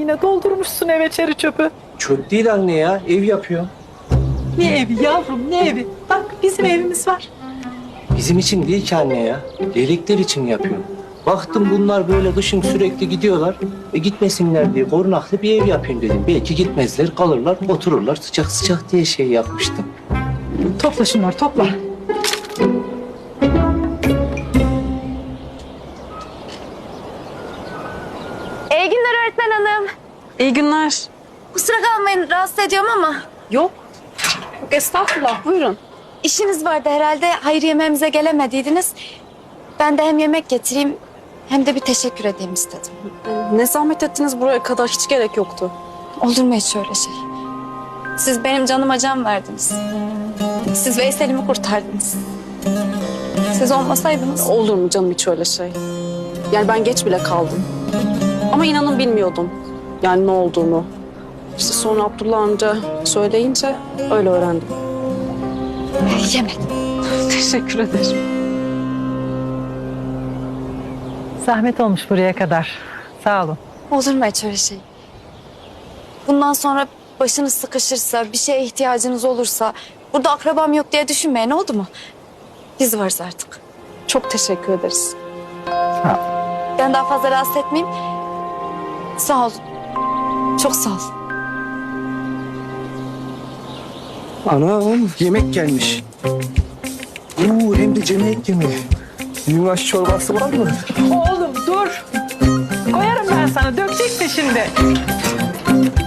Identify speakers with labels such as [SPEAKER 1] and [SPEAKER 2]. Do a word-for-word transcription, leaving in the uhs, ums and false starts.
[SPEAKER 1] yine doldurmuşsun eve çeri çöpü.
[SPEAKER 2] Çöp değil anne ya, ev yapıyorum.
[SPEAKER 1] Ne evi yavrum ne evi? Bak bizim evimiz var.
[SPEAKER 2] Bizim için değil ki anne ya, leylekler için yapıyorum. Baktım bunlar böyle kışın sürekli gidiyorlar. E gitmesinler diye korunaklı bir ev yapayım dedim. Belki gitmezler, kalırlar, otururlar sıcak sıcak diye şey yapmıştım.
[SPEAKER 1] Topla şunları topla.
[SPEAKER 3] İyi günler öğretmen hanım.
[SPEAKER 4] İyi günler.
[SPEAKER 3] Kusura kalmayın rahatsız ediyorum ama
[SPEAKER 4] Yok. Yok estağfurullah buyurun.
[SPEAKER 3] işiniz vardı herhalde. Hayır yemeğimize gelemediydiniz. Ben de hem yemek getireyim hem de bir teşekkür edeyim istedim.
[SPEAKER 4] Ne zahmet ettiniz buraya kadar hiç gerek yoktu.
[SPEAKER 3] Olur mu hiç öyle şey? Siz benim canıma can verdiniz. Siz Veysel'imi kurtardınız. Siz olmasaydınız...
[SPEAKER 4] Olur mu canım hiç öyle şey? Yani ben geç bile kaldım. Ama inanın bilmiyordum yani ne olduğunu. İşte sonra Abdullah amca söyleyince öyle öğrendim.
[SPEAKER 3] Yemek.
[SPEAKER 4] Teşekkür ederim.
[SPEAKER 1] Zahmet olmuş buraya kadar. Sağ olun.
[SPEAKER 3] Olur mu hiç öyle şey? Bundan sonra başınız sıkışırsa, bir şeye ihtiyacınız olursa... Burada akrabam yok diye düşünmeyin, oldu mu? Biz varız artık.
[SPEAKER 4] Çok teşekkür ederiz.
[SPEAKER 1] Sağ ol.
[SPEAKER 3] Ben daha fazla rahatsız etmeyeyim. Sağ ol. Çok sağ ol.
[SPEAKER 2] Anam, yemek gelmiş. Oo, hem de cemiyet yemeği. Yunus çorbası var mı?
[SPEAKER 1] Oğlum dur. Koyarım ben sana. Dökeceksin şimdi.